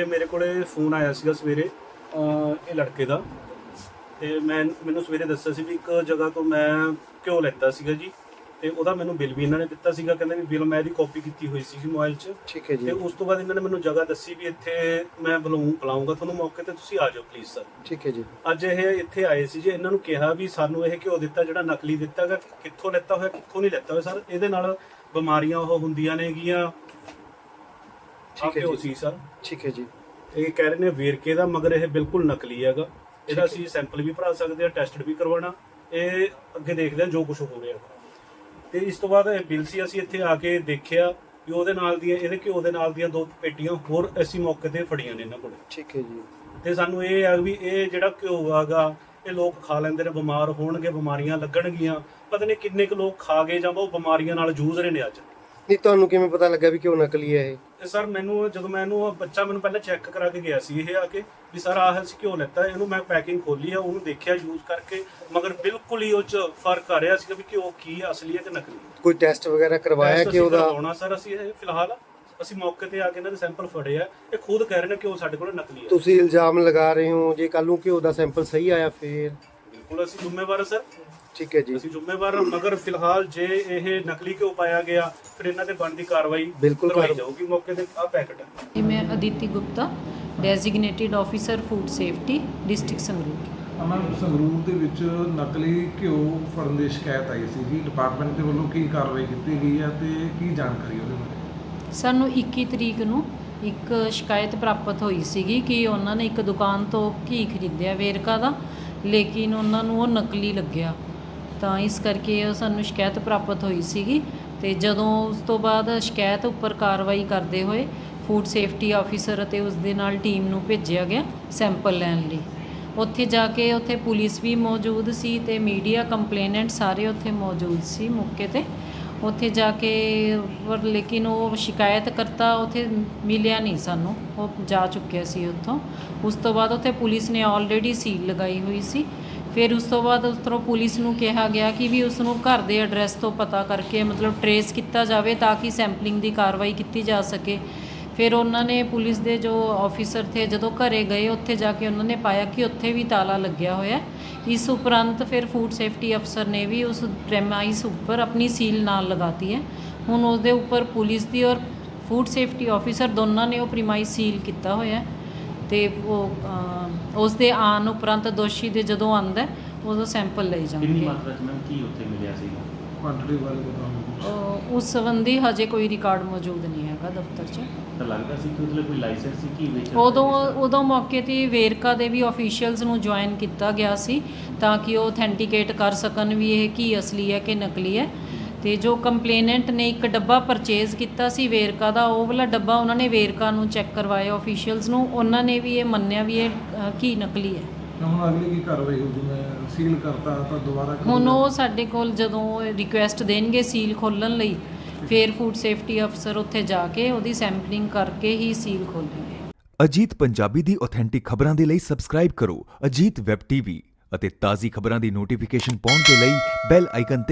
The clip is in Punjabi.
ਮੇਰੇ ਕੋਲੇ ਫੋਨ ਆਇਆ ਸੀਗਾ ਸਵੇਰੇ ਇਹ ਲੜਕੇ ਦਾ, ਤੇ ਮੈਨੂੰ ਸਵੇਰੇ ਦੱਸਿਆ ਸੀ ਵੀ ਇੱਕ ਜਗ੍ਹਾ ਤੋਂ ਮੈਂ ਘਿਓ ਲੈਤਾ ਸੀਗਾ ਜੀ, ਤੇ ਉਹਦਾ ਮੈਨੂੰ ਬਿੱਲ ਵੀ ਇਹਨਾਂ ਨੇ ਦਿੱਤਾ ਸੀਗਾ। ਕਹਿੰਦੇ ਵੀ ਬਿੱਲ ਮੈਂ ਇਹਦੀ ਕਾਪੀ ਕੀਤੀ ਹੋਈ ਸੀ ਮੋਬਾਈਲ 'ਚ। ਠੀਕ ਹੈ ਜੀ। ਤੇ ਉਸ ਤੋਂ ਬਾਅਦ ਇਹਨਾਂ ਨੇ ਮੈਨੂੰ ਜਗ੍ਹਾ ਦੱਸੀ ਵੀ ਇੱਥੇ ਮੈਂ ਬੁਲਾਉਂਗਾ ਤੁਹਾਨੂੰ ਮੌਕੇ ਤੇ, ਤੁਸੀਂ ਆ ਜਾਓ ਪਲੀਜ਼ ਸਰ। ਠੀਕ ਹੈ ਜੀ। ਅੱਜ ਇਹ ਇੱਥੇ ਆਏ ਸੀ ਜੀ, ਇਹਨਾਂ ਨੂੰ ਕਿਹਾ ਵੀ ਸਾਨੂੰ ਇਹ ਘਿਓ ਦਿੱਤਾ ਜਿਹੜਾ ਨਕਲੀ ਦਿੱਤਾ ਗਾ, ਕਿੱਥੋਂ ਲੈਤਾ ਹੋਇਆ ਕਿੱਥੋਂ ਨਹੀਂ ਲੈਤਾ ਹੋਇਆ ਸਰ, ਇਹਦੇ ਨਾਲ ਬਿਮਾਰੀਆਂ ਉਹ ਹੁੰਦੀਆਂ ਨੇਗੀਆਂ। ਠੀਕ ਹੈ ਜੀ ਸਰ। ਠੀਕ ਹੈ ਜੀ। ਇਹ ਕਹਿ ਰਹੇ ਨੇ ਵੇਰਕੇ ਦਾ, ਮਗਰ ਇਹ ਬਿਲਕੁਲ ਨਕਲੀ ਹੈਗਾ। ਇਹਦਾ ਅਸੀਂ ਸੈਂਪਲ ਵੀ ਭਰਾ ਸਕਦੇ ਹਾਂ, ਟੈਸਟ ਵੀ ਕਰਵਾਉਣਾ। ਇਹ ਅੱਗੇ ਦੇਖਦੇ ਹਾਂ ਜੋ ਕੁਝ ਹੋ ਰਿਹਾ। ਤੇ ਇਸ ਤੋਂ ਬਾਅਦ ਇਹ ਬਿੱਲ ਸੀ, ਅਸੀਂ ਇੱਥੇ ਆ ਕੇ ਦੇਖਿਆ ਵੀ ਉਹਦੇ ਨਾਲ ਦੀਆਂ, ਇਹਦੇ ਘਿਓ ਦੇ ਨਾਲ ਦੀਆਂ 2 ਪੇਟੀਆਂ ਹੋਰ ਅਸੀਂ ਮੌਕੇ ਤੇ ਫੜੀਆਂ ਨੇ ਇਹਨਾਂ ਕੋਲ। ਠੀਕ ਹੈ ਜੀ। ਤੇ ਸਾਨੂੰ ਇਹ ਆ ਵੀ ਇਹ ਜਿਹੜਾ ਘਿਓ ਹੈਗਾ ਇਹ ਲੋਕ ਖਾ ਲੈਂਦੇ ਨੇ, ਬਿਮਾਰ ਹੋਣਗੇ, ਬਿਮਾਰੀਆਂ ਲੱਗਣਗੀਆਂ। ਪਤਾ ਨਹੀਂ ਕਿੰਨੇ ਕੁ ਲੋਕ ਖਾ ਗਏ ਜਾਂ ਉਹ ਬਿਮਾਰੀਆਂ ਨਾਲ ਜੂਝ ਰਹੇ ਨੇ ਅੱਜ। ਨਹੀਂ, ਤੁਹਾਨੂੰ ਕਿਵੇਂ ਪਤਾ ਲੱਗਾ ਵੀ ਕਿਉਂ ਨਕਲੀ ਹੈ ਇਹ? ਸਰ ਮੈਨੂੰ ਜਦੋਂ ਬੱਚਾ ਮੈਨੂੰ ਪਹਿਲਾਂ ਚੈੱਕ ਕਰਾ ਕੇ ਗਿਆ ਸੀ ਇਹ ਆ ਕੇ ਵੀ ਸਰ ਆਹ ਅਸੀਂ ਘਿਓ ਲੈਤਾ। ਇਹਨੂੰ ਮੈਂ ਪੈਕਿੰਗ ਖੋਲੀ ਆ, ਉਹਨੂੰ ਦੇਖਿਆ ਯੂਜ਼ ਕਰਕੇ, ਮਗਰ ਬਿਲਕੁਲ ਹੀ ਉਹ 'ਚ ਫਰਕ ਆ ਰਿਹਾ ਸੀ ਵੀ ਘਿਓ ਕੀ ਅਸਲੀ ਹੈ ਕਿ ਨਕਲੀ। ਕੋਈ ਟੈਸਟ ਵਗੈਰਾ ਕਰਵਾਇਆ ਕਿ ਉਹਦਾ? ਕਰਵਾਉਣਾ ਸਰ ਅਸੀਂ ਇਹ ਫਿਲਹਾਲ ਅਸੀਂ ਮੌਕੇ ਤੇ ਆ ਕੇ ਇਹਨਾਂ ਦੇ ਸੈਂਪਲ ਫੜੇ ਆ। ਇਹ ਖੁਦ ਕਹਿ ਰਹੇ ਨੇ ਕਿ ਉਹ ਸਾਡੇ ਕੋਲ ਨਕਲੀ ਹੈ। ਤੁਸੀਂ ਇਲਜ਼ਾਮ ਲਗਾ ਰਹੇ ਹੋ, ਜੇ ਕੱਲ ਨੂੰ ਘਿਓ ਦਾ ਸੈਂਪਲ ਸਹੀ ਆਇਆ ਫਿਰ? ਬਿਲਕੁਲ ਅਸੀਂ ਜ਼ਿੰਮੇਵਾਰ ਹਾਂ ਸਰ। ਠੀਕ ਹੈ ਜੀ। ਅਸੀਂ ਜ਼ਿੰਮੇਵਾਰ ਹਾਂ, ਮਗਰ ਫਿਲਹਾਲ ਜੇ ਇਹ ਨਕਲੀ ਘਿਓ ਪਾਇਆ ਗਿਆ ਫਿਰ ਇਹਨਾਂ ਤੇ ਬਣਦੀ ਕਾਰਵਾਈ ਕਰਵਾਈ ਜਾਊਗੀ। ਮੌਕੇ ਤੇ ਆ ਪੈਕਟ ਹੈ। ਮੈਂ Aditi Gupta, designated officer food safety, district Sangrur. Ma'am, Sangrur ਦੇ ਵਿੱਚ ਨਕਲੀ ਘਿਓ ਫੜਨ ਦੀ ਸ਼ਿਕਾਇਤ ਆਈ ਸੀ ਜੀ, ਡਿਪਾਰਟਮੈਂਟ ਦੇ ਵੱਲੋਂ ਕੀ ਕਾਰਵਾਈ ਕੀਤੀ ਗਈ ਹੈ ਤੇ ਕੀ ਜਾਣਕਾਰੀ ਉਹਦੇ ਬਾਰੇ? ਸਾਨੂੰ 21 ਤਰੀਕ ਨੂੰ ਇੱਕ ਸ਼ਿਕਾਇਤ ਪ੍ਰਾਪਤ ਹੋਈ ਸੀਗੀ ਕਿ ਉਹਨਾਂ ਨੇ ਇੱਕ ਦੁਕਾਨ ਤੋਂ ਘੀ ਖਰੀਦਿਆ ਵੇਰਕਾ ਦਾ, ਲੇਕਿਨ ਉਹਨਾਂ ਨੂੰ ਉਹ ਨਕਲੀ ਲੱਗਿਆ। ਤਾਂ ਇਸ ਕਰਕੇ ਸਾਨੂੰ ਸ਼ਿਕਾਇਤ ਪ੍ਰਾਪਤ ਹੋਈ ਸੀਗੀ। ਤੇ ਜਦੋਂ ਉਸ ਤੋਂ ਬਾਅਦ ਸ਼ਿਕਾਇਤ ਉੱਪਰ ਕਾਰਵਾਈ ਕਰਦੇ ਹੋਏ ਫੂਡ ਸੇਫਟੀ ਆਫੀਸਰ ਅਤੇ ਉਸ ਦੇ ਨਾਲ ਟੀਮ ਨੂੰ ਭੇਜਿਆ ਗਿਆ ਸੈਂਪਲ ਲੈਣ ਲਈ। ਉੱਥੇ ਜਾ ਕੇ ਉੱਥੇ ਪੁਲਿਸ ਵੀ ਮੌਜੂਦ ਸੀ ਤੇ ਮੀਡੀਆ, ਕੰਪਲੇਨੈਂਟ ਸਾਰੇ ਉੱਥੇ ਮੌਜੂਦ ਸੀ ਮੌਕੇ ਤੇ। ਉੱਥੇ ਜਾ ਕੇ ਪਰ ਲੇਕਿਨ ਉਹ ਸ਼ਿਕਾਇਤਕਰਤਾ ਉੱਥੇ ਮਿਲਿਆ ਨਹੀਂ ਸਾਨੂੰ, ਉਹ ਜਾ ਚੁੱਕਿਆ ਸੀ ਉੱਥੋਂ। ਉਸ ਤੋਂ ਬਾਅਦ ਉੱਥੇ ਪੁਲਿਸ ਨੇ ਆਲਰੇਡੀ ਸੀਲ ਲਗਾਈ ਹੋਈ ਸੀ। ਫਿਰ ਉਸ ਤੋਂ ਬਾਅਦ ਉਸ ਤਰ੍ਹਾਂ ਪੁਲਿਸ ਨੂੰ ਕਿਹਾ ਗਿਆ ਕਿ ਵੀ ਉਸ ਨੂੰ ਘਰ ਦੇ ਐਡਰੈਸ ਤੋਂ ਪਤਾ ਕਰਕੇ ਮਤਲਬ ਟਰੇਸ ਕੀਤਾ ਜਾਵੇ ਤਾਂ ਕਿ ਸੈਂਪਲਿੰਗ ਦੀ ਕਾਰਵਾਈ ਕੀਤੀ ਜਾ ਸਕੇ। ਫਿਰ ਉਹਨਾਂ ਨੇ ਪੁਲਿਸ ਦੇ ਜੋ ਆਫੀਸਰ ਥੇ ਜਦੋਂ ਘਰੇ ਗਏ, ਉੱਥੇ ਜਾ ਕੇ ਉਹਨਾਂ ਨੇ ਪਾਇਆ ਕਿ ਉੱਥੇ ਵੀ ਤਾਲਾ ਲੱਗਿਆ ਹੋਇਆ। ਇਸ ਉਪਰੰਤ ਫਿਰ ਫੂਡ ਸੇਫਟੀ ਅਫਸਰ ਨੇ ਵੀ ਉਸ ਪ੍ਰੈਮਾਈਸ ਉੱਪਰ ਆਪਣੀ ਸੀਲ ਨਾਲ ਲਗਾਤੀ ਹੈ। ਹੁਣ ਉਸ ਦੇ ਉੱਪਰ ਪੁਲਿਸ ਦੀ ਔਰ ਫੂਡ ਸੇਫਟੀ ਆਫੀਸਰ ਦੋਨਾਂ ਨੇ ਉਹ ਪ੍ਰੈਮਾਈਸ ਸੀਲ ਕੀਤਾ ਹੋਇਆ। ਤੇ ਉਹ ਉਸ ਦੇ ਆਉਣ ਉਪਰੰਤ ਦੋਸ਼ੀ ਦੇ ਜਦੋਂ ਆਉਂਦਾ ਉਦੋਂ ਸੈਂਪਲ ਲਈ ਜਾਣਗੇ। ਕਿੰਨੀ ਮਾਤਰਾ 'ਚ ਮੈਮ ਕੀ ਉੱਥੇ ਮਿਲਿਆ ਸੀਗਾ? ਕੁਆਂਟੀਟੀ ਬਾਰੇ ਬਤਾਓ। ਉਸ ਸੰਬੰਧੀ ਹਜੇ ਕੋਈ ਰਿਕਾਰਡ ਮੌਜੂਦ ਨਹੀਂ ਹੈਗਾ ਦਫ਼ਤਰ 'ਚ। ਤਾਂ ਲੱਗਦਾ ਸੀ ਕਿ ਉਹਦੇ ਕੋਈ ਲਾਇਸੈਂਸ ਸੀ ਕੀ ਵੇਚ? ਉਦੋਂ ਮੌਕੇ 'ਤੇ ਵੇਰਕਾ ਦੇ ਵੀ ਆਫੀਸ਼ੀਅਲਸ ਨੂੰ ਜੁਆਇਨ ਕੀਤਾ ਗਿਆ ਸੀ ਤਾਂ ਕਿ ਉਹ ਅਥੈਂਟੀਕੇਟ ਕਰ ਸਕਣ ਵੀ ਇਹ ਕੀ ਅਸਲੀ ਹੈ ਕਿ ਨਕਲੀ ਹੈ। ਤੇ ਜੋ ਕੰਪਲੇਨੈਂਟ ਨੇ ਇੱਕ ਡੱਬਾ ਪਰਚੇਜ਼ ਕੀਤਾ ਸੀ ਵੇਰਕਾ ਦਾ, ਉਹ ਵਾਲਾ ਡੱਬਾ ਉਹਨਾਂ ਨੇ ਵੇਰਕਾ ਨੂੰ ਚੈੱਕ ਕਰਵਾਇਆ ਆਫੀਸ਼ੀਅਲਸ ਨੂੰ, ਉਹਨਾਂ ਨੇ ਵੀ ਇਹ ਮੰਨਿਆ ਵੀ ਇਹ ਕੀ ਨਕਲੀ ਹੈ। ਹੁਣ ਅਗਲੀ ਕੀ ਕਾਰਵਾਈ ਹੋਊਗੀ? ਮੈਂ ਸੀਲ ਕਰਤਾ ਤਾਂ ਦੁਬਾਰਾ ਹੁਣ ਉਹ ਸਾਡੇ ਕੋਲ ਜਦੋਂ ਰਿਕੁਐਸਟ ਦੇਣਗੇ ਸੀਲ ਖੋਲ੍ਹਣ ਲਈ, ਫਿਰ ਫੂਡ ਸੇਫਟੀ ਅਫਸਰ ਉੱਥੇ ਜਾ ਕੇ ਉਹਦੀ ਸੈਂਪਲਿੰਗ ਕਰਕੇ ਹੀ ਸੀਲ ਖੋਲ੍ਹਣਗੇ। ਅਜੀਤ ਪੰਜਾਬੀ ਦੀ ਆਥੈਂਟਿਕ ਖਬਰਾਂ ਦੇ ਲਈ ਸਬਸਕ੍ਰਾਈਬ ਕਰੋ ਅਜੀਤ ਵੈਬ ਟੀਵੀ ਅਤੇ ਤਾਜ਼ੀ ਖਬਰਾਂ ਦੀ ਨੋਟੀਫਿਕੇਸ਼ਨ ਪਾਉਣ ਦੇ ਲਈ ਬੈਲ ਆਈਕਨ ਤੇ